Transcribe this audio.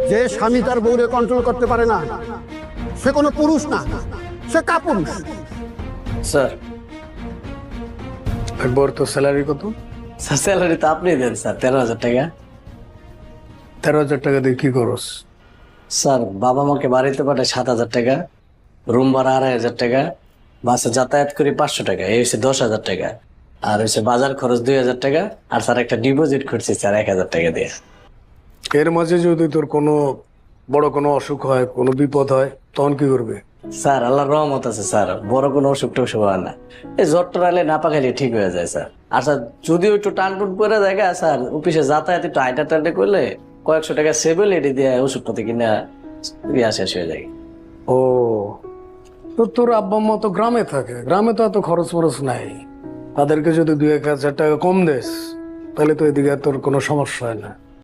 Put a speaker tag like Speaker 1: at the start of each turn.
Speaker 1: যে স্বামী তার বউরে কন্ট্রোল করতে পারে না সে কোনো পুরুষ না, সে কাপুরুষ।
Speaker 2: স্যার
Speaker 3: একবার তো স্যালারি কত?
Speaker 2: স্যার স্যালারি তো আপনি দেন স্যার, 13,000 টাকা।
Speaker 3: 13,000 টাকা দিয়ে কি করস?
Speaker 2: স্যার বাবা মাকে বাড়িতে পাঠায় 7,000 টাকা, রুম ভাড়া 2,500 টাকা, বাসে যাতায়াত করি 500 টাকা, এই হচ্ছে 10,000 টাকা। আর হচ্ছে বাজার খরচ 2,000 টাকা। আর স্যার একটা ডিপোজিট করছি স্যার 1,000 টাকা দিয়ে।
Speaker 3: এর মাঝে যদি তোর কোনো বড় কোনো অসুখ হয়, কোনো বিপদ হয়, তখন কি করবে?
Speaker 2: স্যার আল্লাহর রহমত আছে স্যার, বড় কোনো অসুখ টসুখ হয় না। এই জ্বর টর আলে না পাকাইলে ঠিক হয়ে যায় স্যার। আর স্যার যদিও একটু টান টুন করে যায় স্যার, অফিসে যাতায়াত একটু আইটা টাইটে করলে কয়েকশো টাকা সেভেল এটি দিয়ে ওষুধপাতি কিনা শেষ হয়ে যায়।
Speaker 3: ও, তো তোর আব্বা আম্মা তো গ্রামে থাকে, গ্রামে তো এত খরচ ফরচ নাই। তাদেরকে যদি 2-1 হাজার টাকা কম দেস তাহলে তো এদিকে তোর কোনো সমস্যা হয় না।